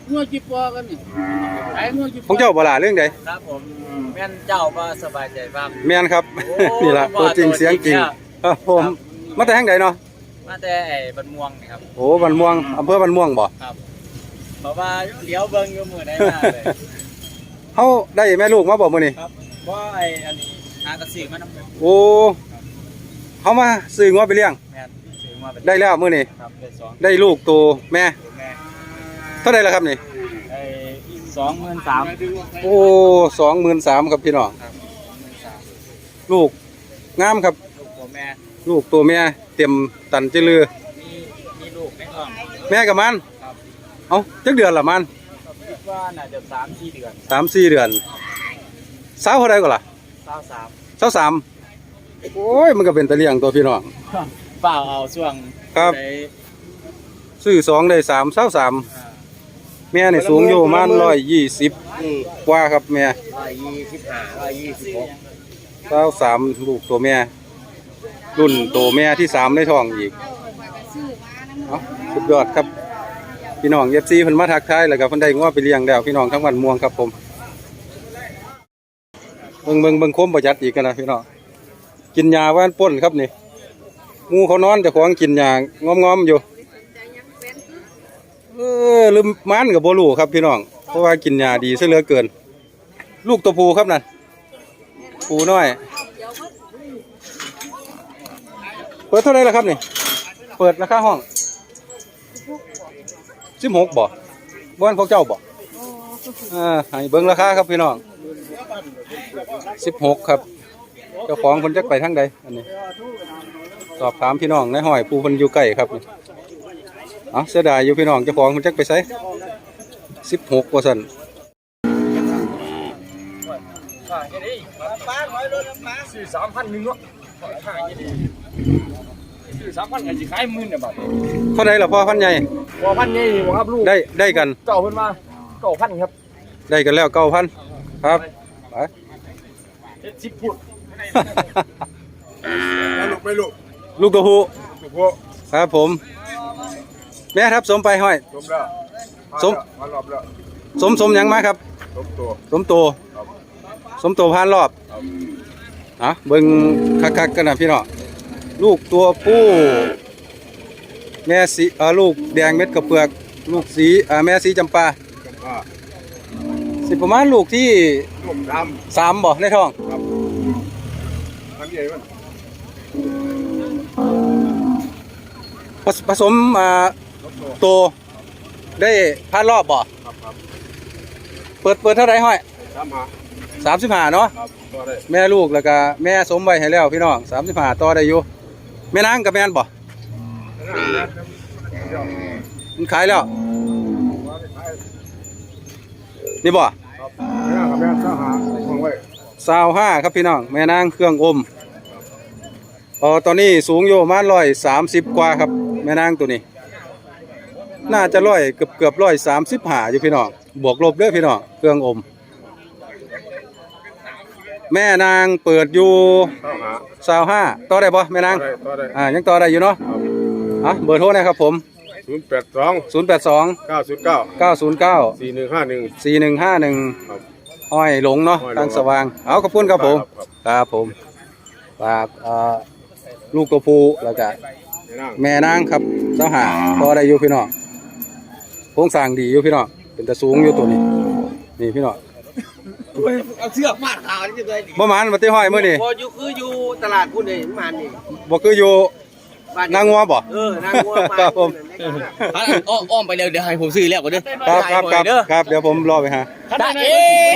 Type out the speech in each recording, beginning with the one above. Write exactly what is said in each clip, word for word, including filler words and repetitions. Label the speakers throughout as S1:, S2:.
S1: งัวจีปอกันนี่ขายงัวจีปอ
S2: ของเจ้าบ่ล่ะเรื่องใด
S3: ครับผมแม่นเจ้าบ่สบายใจบ้าง
S2: แม่นครับนี่ล่ะตัวจริงเสียงจริงครับผมมาแต่แห่งใดเนาะ
S3: มาแต่ไอ้บันม่วงนี่ครับ
S2: โอ้บันม่วงอำเภอบันม่วงบ่
S3: ครับเพราะว่าเลี้ยวเบิ่งอยู่มื้อใดมาเลย
S2: เฮาได้แม่ลูกมาบ่มื้อนี้
S3: ครับบ่ไอ้อันนี้หากระสือมานำ
S2: โอ้เฮามาซื้องัวไปเลี้ยง
S3: แม่นซื้อมา
S2: ได้แล้วมื้อนี้
S3: ครับได้สอง
S2: ได้ลูกตัวแม่
S3: แม่
S2: เท่าใดล่ะครับนี่
S3: ไอ้สองหมื่นสามพัน
S2: โอ้ สองหมื่นสามพัน ครับพี่น้อง
S3: ครับ
S2: ลูกงามครับ
S3: ลูกตัวแม่
S2: ลูกตัวแม่เต็มตันจิลือ
S3: มีมีลูกในท้อง
S2: แม่กับมัน
S3: ครับ
S2: เอ้าจักเดือนละมัน
S3: คิดว่าน่าจะสามสี่เดือน
S2: สามสี่เดือนสาวเท่าไรก็ล่ะ
S3: สาวสาม
S2: สาวสามโอ้ยมันก็เป็นตะเลียงตัวพี่น้อง
S3: เปล่าเอาช่วง
S2: ครับซื้อสองได้สามสาวสามแม่นี่สูงอยู่ประมาณร้อยยี่สิบกว่าครับแม่
S3: ร้อยยี่สิบห้าร้อยยี่สิบหก
S2: สาวสามลูกตัวแม่รุ่นตัวแม่ที่สามในท้องอีกเอ้าสุดยอดครับพี่น้องเอฟซีเพิ่นมาทักทายแล้วก็เพิ่นได้ง้อไปเลี้ยงแล้วพี่น้องทั้งวันม่วงครับผมเบิ่งเบิ่งเบิ่งโคมประหยัดอีกกันนะพี่น้องกินยาว่านป่นครับนี่งูเขานอนแต่ของกินยางอมๆอยู่เออลืมมันกับโบลูครับพี่น้องเพราะว่ากินยาดีซะเหลือเกินลูกตัวผู้ครับนั่นผู้น้อยเปิดเท่าไรล่ะครับนี่เปิดราคาห้องสิบหกบ่บ้านของเจ้าบ่อ่าให้เบิ้งราคาครับพี่น้องสิบหกครับเจ้าของคนจักไปทางใดอันนี้สอบถามพี่น้องในห้อยผู้คนอยู่ใกล้ครับอ๋อเสียดายอยู่พี่น้องเจ้าของคนจักไปไสสิบหกกว่าสัน
S3: สี่สามพันหนึ่งเนาะสี่สามพันไอ้สิขายหมื่นเนี่ยบาท
S2: เท่าไรล่ะพ่อพันใหญ่
S3: พ่อพันใหญ่ครับลูก
S2: ได้ได้กัน
S3: เก่าเพิ่นมาเก่าพันครับ
S2: ได้กันแล้วเก้าพันครับไป
S3: เจ็ดสิบพุทธ
S2: ลูกไม่ลูกลูกตัวผู้ครับผมแม่ครับสมไปห้อย
S3: สมแล้ว
S2: สมสมสมยังมาครับ
S3: สมตัว
S2: สมตัวสมตัวพันรอบอ่ะเบิ้งคักๆกันนะพี่น้องลูกตัวผู้แม่สีเอ่อลูกแดงเม็ดกระเพือกลูกสีอ่าแม่สีจำปาสิประมาณลูกที่สามบ่ในท้องผสมอ่าโตได้พันรอบบ่เปิดเปิดเท่าไรห้อยสามสิบห้าเนาะแม่ลูกแล้วก็แม่สมไว้ให้แล้วพี่น้องสามสิบห้าต่อได้อยู่แม่นางกับแม่นบ่มันขายแล้วนี่บ่สาวห้าครับพี่น้องแม่นางเครื่องอมอ๋อตอนนี้สูงอยู่ประมาณร้อยสามสิบกว่าครับแม่นางตัวนี้น่าจะร้อยเกือบเกือบร้อยสามสิบห้าอยู่พี่น้องบวกลบเด้อพี่น้องเครื่องอมแม่นางเปิดอยู่สาวห้าต่อได้ปะแม่นางอ่ายังต่อได้อยู่เนาะอ่ะเบอร์โทรนะครับผม
S3: ศูนย์แปดสอง
S2: ศูนย์แปดสอง
S3: เก้าศูนย์เก้า
S2: เก้าศูนย์เก้า
S3: สี่หนึ่งห้าหนึ่ง
S2: สี่หนึ่งห้าหนึ่งห้อยหลงเนาะทางสว่างเอาขอบคุณครับผมครับผมฝากลูกตัวผู้แล้วก็แม่นางครับสาวห้าต่อได้อยู่พี่น้องโครงสร้างดีอยู่พี่น้องเป็นตะสูงอยู่ตัวนี้นี่พี่น้อง
S1: เอาเชือกมาดขาวนี่จะได้
S2: บ่มันมาตีห้อยมื้อนี่
S1: บ่อยู่คืออยู่ตลาดพุ่นนี่มันนี่
S2: บ่คืออยู่นางงัวบ่
S1: เออนางงัวมา
S2: ครับผม
S1: อ้อมไปแล้วเดี๋ยวให้ผมซื้อแล้วก่อนเด้อ
S2: ครับครับครับครับเดี๋ยวผมรอไปหา
S1: ได้เอ๊ะ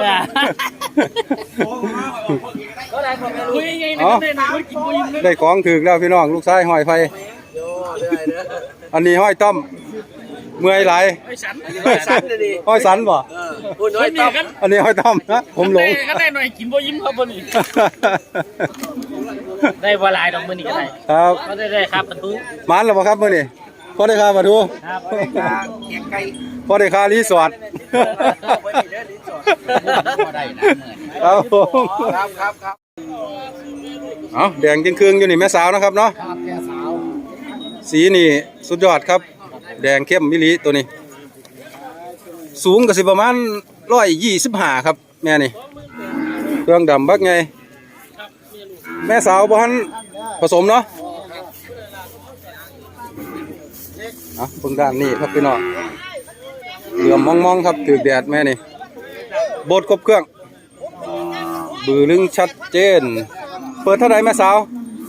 S2: ได้ของถึกแล้วพี่น้องลูกชายห้อยไฟอันนี้ห้อยต้อมเมื่อยไหลห้อยสันบ่อันนี้ห้อยต้อมนะผมหลง
S1: ก็ได้หน่อยกินบ่ยิ้มครับบ่นี่ได้บ่หลายดอกมื้อนี้ก็ได้
S2: ครับ
S1: ก็ได้ได้ครับประตู
S2: มานแล้วบ่ครับมื้อนี้พอได้ค่าประตู
S1: ครับ
S2: พอได้ค่ารีสอร์ทครับผม
S1: ครับครับครับ
S2: เอาแดงจริงเครื่องอยู่นี่แม่สาวนะครับเนาะ
S1: ครับแม่สาว
S2: สีนี่สุดยอดครับแดงเข้มมิลิตัวนี้สูงก็สิประมาณร้อยยี่สิบห้าครับแม่นี่เครื่องดำบักไงแม่สาวบ้านผสมเนาะอ่ะเบิ่งด้านนี้ครับพี่น้องเหลื่อมมองๆครับถือแดดแม่นี่โบดครบเครื่องบือลึงชัดเจนเปิดเท่าไหร่แม่สาว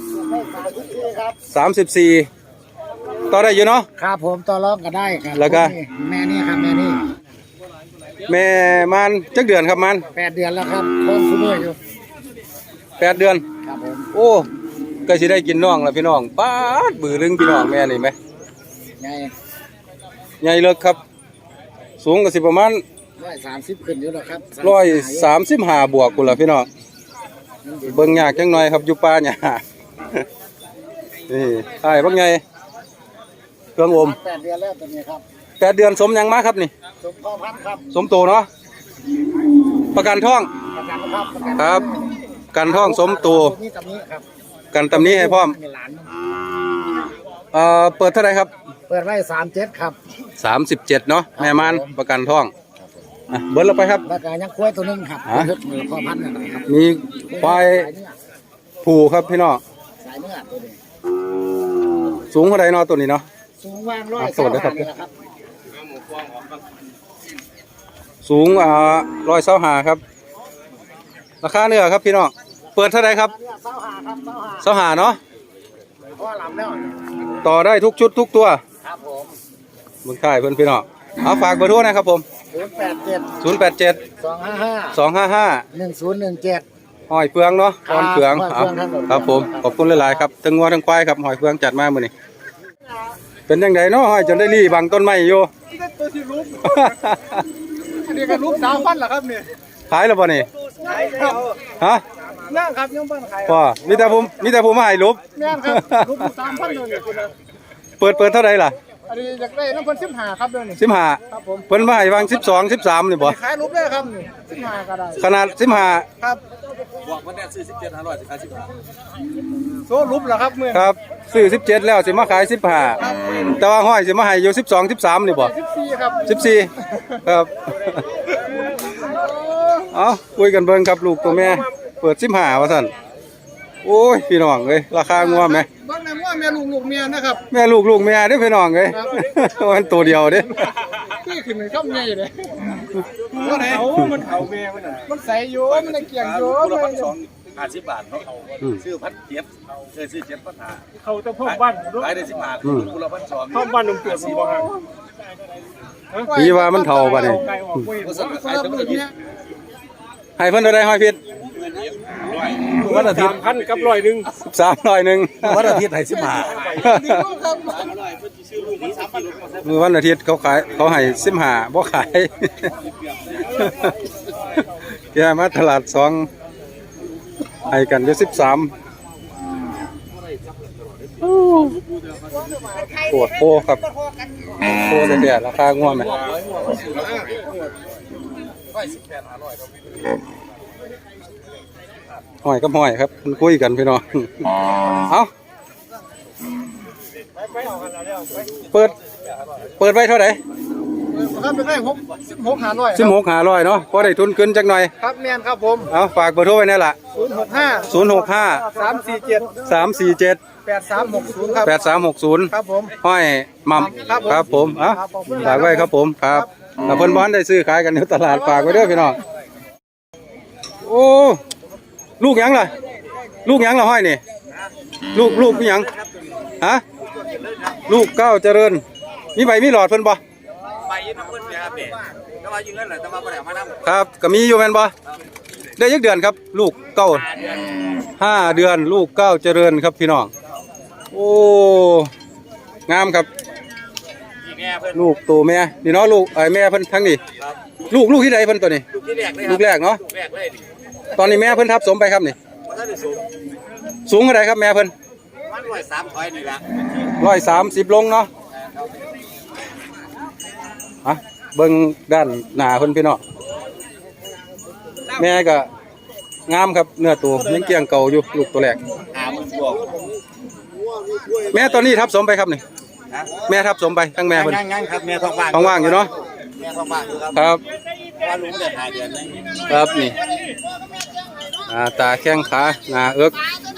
S2: สามสิบสี่ต่อได้อยู่เนาะ
S4: ครับผมต่อรองก็ได้ครับ
S2: แล้วก็
S4: แม่นี่ครับแม่นี่
S2: แม่มันจักเดือนครับมัน
S4: แปดเดือนแล้วครับท้องคุ้มอยู่
S2: แปดเดือน
S4: ครับผม
S2: โอ้ก็สิได้กินน้องแล้วพี่น้องป๊าดบือลึงพี่น้องแม่นี่ไหม
S4: ไง
S2: ใหญ่เลิกครับ สูงก็สิประมาณ
S4: ร้อยสามสิบขึ้นอยู่แล้วครับ
S2: ร้อยสามสิบห้าบวกกูละพี่น้องเบิ่งยากจังหน่อยครับอยู่ป่าเนี่ย นี่ใช่บักไงเครื่องอม
S4: แปดเดือนแล้วตัวนี้ครับ
S2: แปดเดือนสมยังมาครับนี่
S4: สมพ่อพันธุ์ครับ
S2: สมโตเนาะประกันท้อง
S4: ประกันครับประกัน
S2: ครับกันท้องสมโต
S4: นี่กับนี้ครับ
S2: กันตำนี้ให้พร้อม
S4: หลาน
S2: เอ่อเปิดเท่าไหร่ครับ
S4: เปิดไว้สามเจ็ดครับ
S2: สามสิบเจ็ดเนาะแม่มันประกันท้องอ่ะเบิร์ดเราไปครับ
S4: แล้วก็ยังกล้วยตัวหนึงครับ
S2: ฮะ
S4: มือพ่อพันธุ์นั่นนะครับ
S2: มีควาย
S4: สายเนื้อ
S2: ผูครับพี่น้อง
S4: สายเนื้อตัวนี้
S2: สูงเท่าไหร่เนาะตัวนี้เนาะ
S4: สูงว่างร้อย
S2: อ่ะสวัสดีครับ
S4: นี่แหละครับ
S2: สูงอ่าร้อยเส้าหาครับ ราคาเนื้อครับพี่น้องเปิดเท่าไหร่ครับ
S4: เนื้อเส้าหาครับเส้าหา
S2: เส้าหาเนาะ
S4: พ่อหลำแล้ว
S2: ต่อได้ทุกชุดทุกตัว
S4: ครับผม
S2: มึงค่ายเพื่อนพี่น้องเอาฝากเบอร์โทรนะครับผม
S4: ศูนย์แปดเจ็ด
S2: ศูนย์แปดเจ็ด
S4: สองห้าห้า
S2: สองห้าห้า
S4: หนึ่งศูนย์หนึ่งเจ็ด
S2: หอยเฟืองเนาะหอยเฟือง
S4: ครับ
S2: เอา
S4: หอยเฟือง
S2: ครับผมขอบคุณหลายๆครับทั้งงัวทั้งควายครับหอยเฟืองจัดมามื้อนี้เป็นยังไงเนาะหอยจนได้รีบังต้นไม้อยู่
S4: ตัวที่ลุกอันนี้ก็ลุกสามพันเหรอครับเนี่ย
S2: ขายแล้วบ่นี่
S4: ครับ
S2: ฮะ
S4: นั่งครับยังบ้านขาย
S2: พ่อมีแต่ผมมีแต่ผมมาให้รูป
S4: แม่นครับลุกสามพันเลยเนี่ยคุณนะ
S2: เปิดเปิดเท่าไหร่ล่ะ
S4: อันนี้อยากได้น้ำเพิ่นสิบห้าครับเดี๋ยวนี้
S2: สิบห้า
S4: ครับผม
S2: เพิ่นมาให้วางสิบสอง สิบสามนี่บ่
S4: ขายลุกได้ครับนี่สิบห้าก็ได้
S2: ขนาดสิบห้า
S4: ครับ
S3: บอกว่าเนี่ยซื้อสิบเจ็ดห้าร้อยสิบห้าสิบห้า
S4: โซ่ลุกเหรอครับเมื่อ
S2: ครับซื้อสิบเจ็ดแล้วสิมาขายสิบห้าแต่ว่าห้อยสิมาให้อยู่สิบสอง สิบสามนี่บ่
S4: สิบสี่ครับ
S2: สิบสี่ครับ เอาคุยกันเบิ่งครับลูกตัวแม่ เปิดสิบห้าว่าสั่นโอ้ยพี่น้องเอ้ยราคางัวไหม
S4: บ้านไหนว่าแม่ลูกลูกเมียนะครับ
S2: แม่ลูกลูกแม่เด้อพี่น้องเอ้ย มันตัวเดียวเด้
S4: ที่ขึ้นในข้ามใหญ่เลยว่าไหนมันเขาเมียมันมันใส่อยู่มันเกี่ยงอยู่
S3: คูละ
S4: มั
S3: พั
S4: น
S3: นสองห้าสิบบาทเนาะซื้อพันเจ็ดเคยซื้อเจ็ดพันห้า
S4: เขาจะพ่อบ้าน
S3: ขายได้สิบห้าคูละพันสอง
S4: พ่อบ้านนุ่มเปียกผมบอกฮะ
S2: พี่ว่ามันเท่าบ่นี่
S3: ก็สั่งขายทั้งหมดเนี่ย
S2: ให้เพิ่นเท่าใดห้อยพิษ
S3: วันอาทิตย์
S4: พันกับร้อยหนึ่ง
S2: สามร้อยหนึ่ง
S3: วันอาทิตย์ให้สิบห้า
S2: มือวันอาทิตย์เขาขายเขาให้สิบห้าบ่ขาย แกมาตลาดสองให้กันอยู่สิบสามปวดโพครับโพเสียราคาง่วงไหมหอยกับหอยครับมันคุยกันพี่น้องเอาเปิดเปิดไว้เท่าไหร่
S4: ครับเป็นได้หกสิบหกหาร้อย
S2: สิบหกหาร้อยเนาะพอได้ทุนขึ้นจักหน่อย
S4: ครับแมนครับผม
S2: เอาฝากเบอร์โทรไว้นี่ล่ะ
S4: ศูนย์หกห้า
S2: ศูนย์หกห้า
S4: สามสี่เจ็ด
S2: สามสี่เจ็ด
S4: แปดสามหกศูนย์ครับ
S2: แปดสามหกศูนย์
S4: ครับผม
S2: ห้อยมัม
S4: ครับผม
S2: ครับผมเอ่ะ
S4: ครับผม
S2: ฝากไว้ครับผมครับถ้าเพิ่นบ้านได้ซื้อขายกันอยู่ตลาดฝากไว้เด้อพี่น้องโอ้ลูกหยังล่ะลูกหยังล่ะห้อยนี่ลูกลูกหยังฮะลูกเก้าเจริญมีใบมีหลอดเพิ่นบ่
S3: ไปยืนน้ำเงินเนี่ยครับเนี่ยแต่ว่ายืนเงินแหละแต่ว่าบ่ได้เอามาน้ำ
S2: ครับก็มีอยู่แม่นบ่ได้ยักเดือนครับ ลูกเก้าห้าเดือนลูกเก้าเจริญครับพี่น้องโอ้งามครับ
S3: อีแม่เพิ่น
S2: ลูกตัวแม่นี่เนาะลูกไอ้แม่เพิ่นทั้งนี้
S3: ครับ
S2: ลูกลูกที่ใดเพิ่นตัวนี้
S3: ลูกที่แรกเลยค
S2: ลู
S3: รับ
S2: กแรกเนาะ
S3: ลูกแรกเลยดิ
S2: ตอนนี้แม่เพิ่นทับสมไปครับนี่
S3: มันก็ได้สูง
S2: สูงเท่าไหร่ครับแม่เพิ่น
S3: มันร้อยสามถอยนี่ละ
S2: ร้อยสามสิบลงเนาะอ่ะเบิ่งด้านหน้าเพิ่นพี่น้องแม่ก็งามครับเนื้อตัวยังเกรียงเก่าอยู่ลูกตัวแรก
S3: หามันบวก
S2: แม่ตอนนี้ทับสมไปครับนี่
S3: นะ
S2: แม่ทับสมไปทั้งแม่เพิ่น
S3: งั้นงั้นครับแม่ท้องว่าง
S2: ท้องว่างอยู่เนาะ
S3: แม่ท้องว่างอยู่ครับ
S2: ครับ
S3: ว่าลุงได้หาเดือนเลย
S2: ครับนี่หน้าตาแข้งขาหน้าเอิก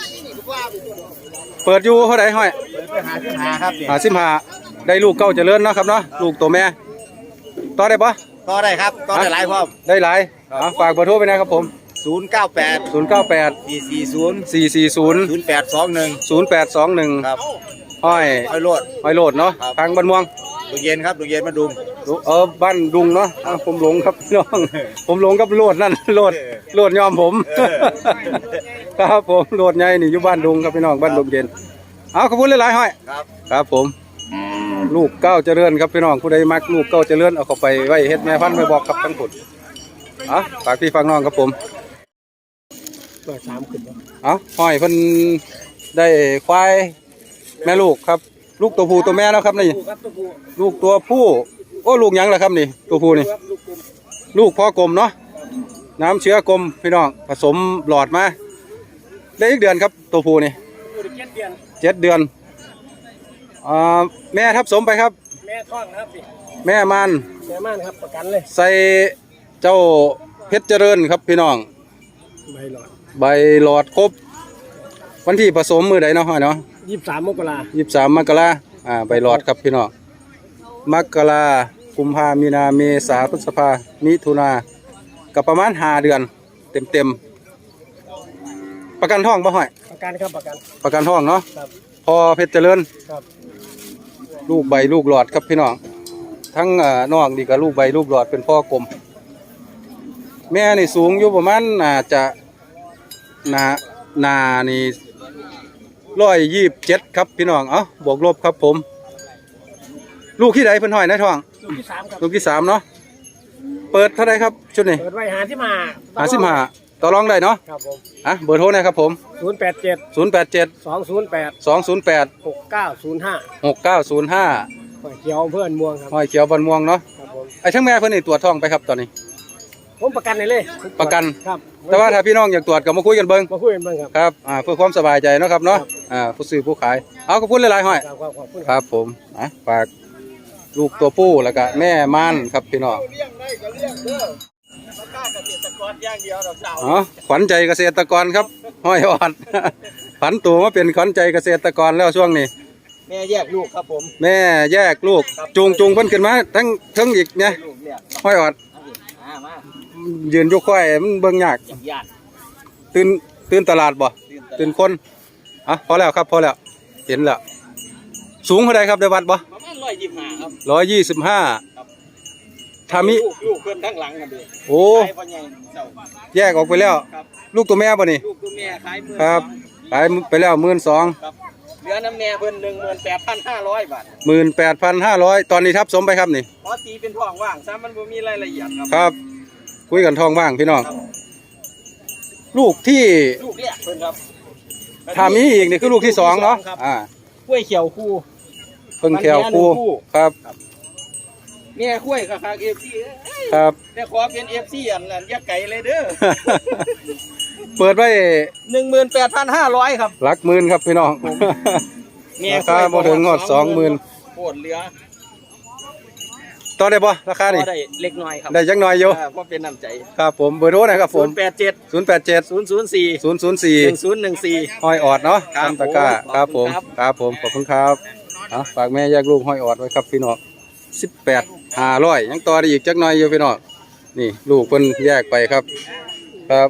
S2: เปิดอยู่เท่าไหร่ห้อย
S3: เปิดไปหาที่หาครับเนี่ย
S2: หาสิบห้าได้ลูกเก้าเจริญเนาะครับเนาะลูกตัวแม่ต่อได้ปะ
S3: ก็ได้ครับก็ได้หลายพร้อม
S2: ได้หลายอ่ะฝากเบอร์โทรไปนะครับผม
S3: ศูนย์เก้าแปด
S2: ศูนย์เก้าแปด
S3: สี่สี่ศูนย์
S2: สี่สี่ศูนย์
S3: ศูนย์แปดสองหนึ่ง
S2: ศูนย์แปดสองหนึ่ง
S3: ครับ
S2: ห้อย
S3: ไอ้โลด
S2: ห้อยโหลดเนาะ
S3: ครับ
S2: ทางบ้านม่วง
S3: ดูเย็นครับดูเย็นมาดุม
S2: เออบ้านดุงเนาะอ่ะผมหลงครับพี่น้อง ผมหลงกับโหลดนั่นโหลดโหลดยอมผม ครับผมโหลดใหญ่นี่อยู่บ้านดุงครับพี่น้องบ้านดุงเย็นเอาขอบคุณหลายๆห้อย
S3: ครับ
S2: ครับผมลูกเก้าเจริญครับพี่น้องผู้ใดมักลูกเก้าเจริญเอาเข้าไปไว้เฮ็ดแม่พันธุ์ไม่บอกครับทั้งผุดเอาฝากพี่ฟังน้องครับผม
S4: เปิดสามขึ้น
S2: เอาห้อยเพิ่นได้ควายแม่ลูกครับลูกตัวผู้ตัวแม่เนาะครับนี่
S4: ครับตัวผู้
S2: ลูกตัวผู้โอ้ลูกหยังล่ะครับนี่ตัวผู้นี่
S4: ครับลูกกลม
S2: ลูกพ่อกลมเนาะน้ำเชื้อกลมพี่น้องผสมหลอดมาได้อีกเดือนครับตัวผู้นี่
S4: อยู่ในเจ็ดเดือน
S2: เจ็ดเดือนอ่าแม่ทับสมไปครับ
S4: แม่ท้องนะครับพี่
S2: แม่มัน
S4: แม่ม่านครับประกันเลย
S2: ใส่เจ้าเพชรเจริญครับพี่น้อง
S4: ใบหลอด
S2: ใบหลอดครบวันที่ผสมมือใดเนาะห้อยเนาะ
S4: ยี่สิบสามมกรา
S2: ยี่สิบสามมกราอ่าใบหลอดครับพี่น้องมกรากุมภามีนาเมษาพฤษภามิถุนากับประมาณห้าเดือนเต็มเต็มๆประกันท้องบ่ห้อย
S4: ประกันครับประกัน
S2: ประกันท้องเนาะ
S4: ครับ
S2: พอเพชรเจริญ
S4: ครับ
S2: ลูกใบลูกหลอดครับพี่น้องทั้งอ่านอกนี่ก็ลูกใบลูกหลอดเป็นพ่อกลมแม่นี่สูงอยู่ประมาณน่าจะนานานี่ร้อยยี่สิบเจ็ดครับพี่น้องเอ้าบวกลบครับผม ลูกที่ใดเพิ่นห้อยในท้อง
S4: ลูกที่สามครับ
S2: ลูกที่สามเนาะเปิดเท่าไรครับชุดนี้
S4: เปิดไว้หาที่มา
S2: หาสิบห้าต่อรองได้เนาะ
S4: ครับผม
S2: อ่ะเบอร์โทรนะครับผม
S4: ศูนย์แปดเจ็ด
S2: ศูนย์แปดเจ็ด
S4: สองศูนย์แปด
S2: สองศูนย์แปด
S4: หกเก้าศูนย์ห้า
S2: หกเก้าศูนย์ห้า
S4: เขียวเพื่อนม่วงครับ
S2: ห้อยเขียวบันม่วงเนาะ
S4: ครับผม
S2: ไอ้ทั้งแม่เพิ่นนี่ตรวจท้องไปครับตอนนี้
S4: ผมประกันเลยเลย
S2: ประกัน
S4: ครับ
S2: แต่ว่าถ้าพี่น้องอยากตรวจก็มาคุยกันเบิ่ง
S4: มาคุยกันบ้างครับ
S2: ครับอ่าเพื่อความสบายใจเนาะครับเนาะ
S4: ครับ
S2: อ่าผู้ซื้อผู้ขายเอาขอบคุณหลายๆห้อย
S4: ครับครับขอบคุณ
S2: ค
S4: ครับ
S2: รับผมอ่ะฝากลูกตัวผู้แล้วก็แม่ม่านครับพี่น้อง
S3: เลี้ยงได้ก็เลี้ยงเด้อราคาเกษตรกรอย่างเดียวดอกเสา
S2: อ๋อขวัญใจเกษตรกรครับห้อยออด ผันตัวมาเป็นขวัญใจเกษตรกรแล้วช่วงนี้
S3: แม่แยกลูกครับผม
S2: แม่แยกลูกจูงจูงเพิ่นขึ้นมาทั้งทั้งอีกเนี่ย
S3: ลูกเนี่ย
S2: ห้อยออด
S3: อ่ามา
S2: ยืนอยู่ค่อยมันเบิ่งยาก
S3: ญาติ
S2: ตื่นตื่นตลาดบ่ตื่นคนอ่ะพอแล้วครับพอแล้วเห็นแล้วสูงเท่าไรครับได้วัดบ่
S3: ประมาณร้อยยี่สิบห้าครับ
S2: ร้อยยี่สิบห้าทามิ
S3: ลูกลูกเพื่อนทั้งหลังกันดิ
S2: โอ้
S3: ขายพ่อใหญ่เสา
S2: แยกออกไปแล้ว
S3: ครับ
S2: ลูกตัวแม่บ่นี่
S3: ลูกตัวแม่ขายมือ
S2: ครับขายไปแล้วหมื่นสอง
S3: ครับเหลือน้ำแม่เพิ่นหนึ่งหมื่นแปดพันห้าร้อยบาท
S2: หมื่นแปดพันห้าร้อยตอนนี้ทับสมไปครับนี่
S3: พอตีเป็นท้องว่างซะมันบ่มีรายละเอียดครับ
S2: ครับ คุยกันทองว่างพี่น้อง ลูกที่
S3: ลูกแรกเพิ่นครับ
S2: ถ้ามีอีกนี่คือลูกที่สองเนาะ
S3: ครับ
S2: อ่าก
S3: ล้วยเขียวคู่
S2: เพิ่งแถวคู่
S3: มันแม่หนึ่งคู่
S2: ครับ
S3: แม่กล้วยกับคาเอฟซี
S2: ครับ
S3: แต่ขอเป็นเอฟซีอันนั้นอย่าไก่เลยเด้อ
S2: เปิดไว้
S3: หนึ่งหมื่นแปดพันห้าร้อยครับ
S2: หลักหมื่นครับพี่น้อง
S3: แม่
S2: ราคาบ่ถึงงอดสองหมื่น
S3: โคตรเหลือ
S2: ต่อได้บ่ราคานี่
S3: ก็ได้เล็กน้อยครับ
S2: ได้จักหน่อยอยู่
S3: เเพราะเป็นน้ำใจ
S2: ครับผมเบอร์โทรนะครับผ
S3: ศู
S2: ม
S3: นย์แปดเจ็ด
S2: ศูนย์แปดเจ็ด
S3: ศูนย์ศูนย์สี่
S2: ศูนย์ศูนย์สี่
S3: หนึ่งศูนย์หนึ่งสี่
S2: ห้อยออดเนาะ
S3: ครับ
S2: ตำตะกร้า
S3: ผม
S2: ครับผม
S3: ขอบคุณครับ
S2: ครับผมขอบคุณครับอ่ะฝากแม่แยกลูกห้อยออดไว้ครับพี่น้องสิบแปดห้าร้อยยังต่อได้อีกจักหน่อยอยู่พี่น้องนี่ลูกเพิ่นแยกไปครับ ครับ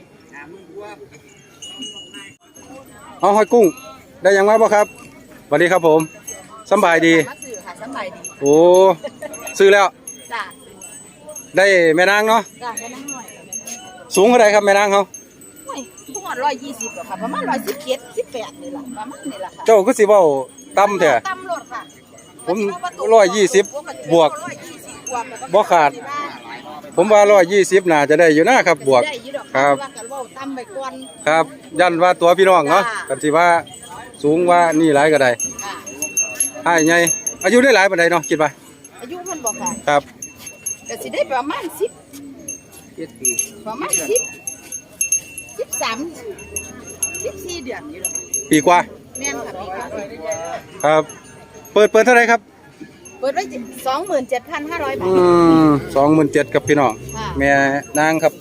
S2: เอาห้อยกุ้ง ได้ยังไงบ่ครับสวัสดีครับผมสำบายดี
S5: มาซื้อค่ะสบายดี
S2: โอ้ซื้อแล้ว
S5: จ้ะ
S2: ได้แม่นางเนาะ
S5: จ้ะแค่นั้นหน่อย
S2: สูงเท่าไหร่ครับแม่นางเขา
S5: โอ้ยพวกร้อยยี่สิบหรอค่ะประมาณร้อยสิบเจ็ดสิบแปดนี่แหละประมาณนี่แหละค่ะ
S2: เจ้าก็สิเว้าต่ำแท้
S5: ตำรวจค่ะ
S2: ผมร้อยยี่สิบบวก
S5: ร้อยยี่สิบบวกแล้วก็
S2: บ่ขาด ผมว่าร้อยยี่สิบน่าจะได้อยู่นะครับบวก
S5: ได้อยู่ดอก
S2: ครับ
S5: ว่ากันว่าตำไปก่อน
S2: ครับยันว่าตัวพี่น้องเนาะ
S5: จ้า
S2: กันสิว่าสูงว่านี่หลายก็ได้
S5: ค่ะ
S2: ให้ไงอายุได้หลายปานใดเนาะคิดว่า
S5: อายุมันบอกค่ะ
S2: ครับ
S5: ก็สิได้ประมาณสิบประมาณสิบสิบสามสิบสี่เดือนนี่หรอกค่ะ
S2: ปีกว่า
S5: แม่นค่ะพี่ค่ะ
S2: ครับ เปิดเปิดเท่าไหรครับ
S5: เปิดไว้สองหมื่นเจ็ดพันห้าร้อยบา
S2: อื
S5: ท
S2: มสองหมื่นเจ็ดครับพี่น้อง
S5: ค่ะ
S2: แม่นางครับ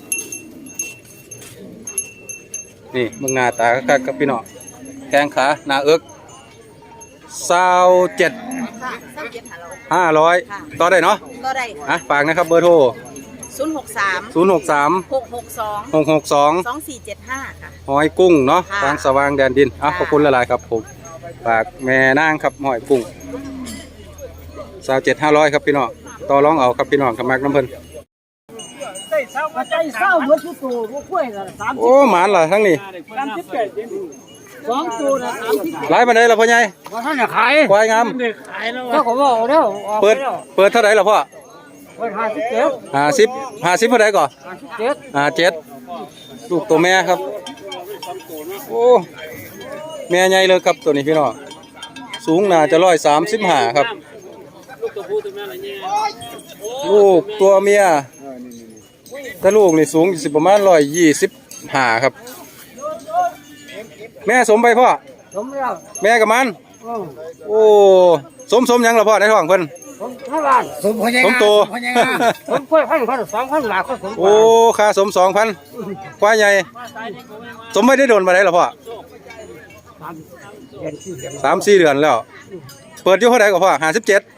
S2: นี่มึงหน้าตาคักๆครับพี่น้องแข้งขาหน้าเอิกสาวเจ็ด
S5: ค่ะสามเจ็ดห้าร้อย
S2: ห้าร้อย
S5: ค่ะ
S2: ต่อได้เนาะ
S5: ก็ได้
S2: อ่ะฝากนะครับเบอร์โทร
S5: ศูนย์หกสาม
S2: ศูนย์หกสาม
S5: หกหกสอง
S2: หกหกสอง
S5: สองสี่เจ็ดห้าค่ะ
S2: หอยกุ้งเนาะ
S5: ค่ะ
S2: ทางสว่างแดนดินอ่ะ
S5: ค่ะ
S2: ขอบคุณหลายๆครับผมฝากแม่นางครับหอยกุ้งสาวเจ็ดห้าร้อยครับพี่น้องต่อรองเอาครับพี่น้องขมักน้ำเพิ่น
S4: ใจเศร้าใจเศร้าเหมือนทุกตัวพวกกล้วยละสาม
S2: โอ้หมานล่ะทั้งนี้
S4: สามสิบเจ็ดสองตัวละสามสิบ
S2: หลายปานใดล่ะพ่อใหญ่
S4: ว่าท่านจะขาย
S2: ควายงาม
S1: ขายแล้ว
S4: ก็ผมบอกแล้ว
S2: เปิดเปิดเท่าไหร่ล่ะพ่อ
S4: เปิดห้าสิบเจ็ด
S2: ห้าสิบห้าสิบเท่าไหร่ก่อน
S4: ห้าสิบเจ็ด
S2: ห้าเจ็ดลูกตัวแม่ครับโอ้แม่ใหญ่เลยครับตัวนี้พี่น้องสูงน่าจะร้อยสามสิบห้าครับลูกตัวเมียถ้าลูกนี่สูงสิประมาณร้อยยี่สิบห้าครับ แม่สมไปพ่อ
S4: ผมแล้ว
S2: แม่กับมัน
S4: อืม
S2: โอ้สมสมหยังล่ะพ่อในท้องเพิ่น
S4: ผมห้าล้านผมพยัง
S2: สมโต
S4: ผมกล้วยพันพันสองพันหลายคนผม
S2: โอ้ค่าสมสองพันควายใหญ่สมไม่ได้โดนมาได้หรอพ่อ
S4: สามเดือนสี่เดือน
S2: สามสี่เดือนแล้ว เปิดอยู่เท่าไหร่ก็พ่อห้าสิบเจ็ด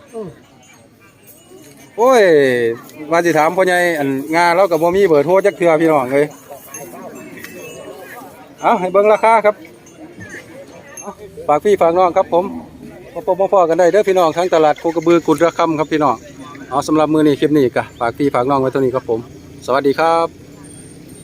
S2: โอ้ยว่าสิถามพ่อใหญ่อันงานเรากับบ่มีเบอร์โทรจักเทื่อพี่น้องเลยเอาให้เบิ่งราคาครับเอาฝากพี่ฝากน้องครับผมพ่อพ่อพ่อกันได้เด้อพี่น้องทั้งตลาดโคกระบือกุดระคำครับพี่น้องเอาสำหรับมือนี้คลิปนี้ก็ฝากพี่ฝากน้องไว้เท่านี้ครับผมสวัสดีครับ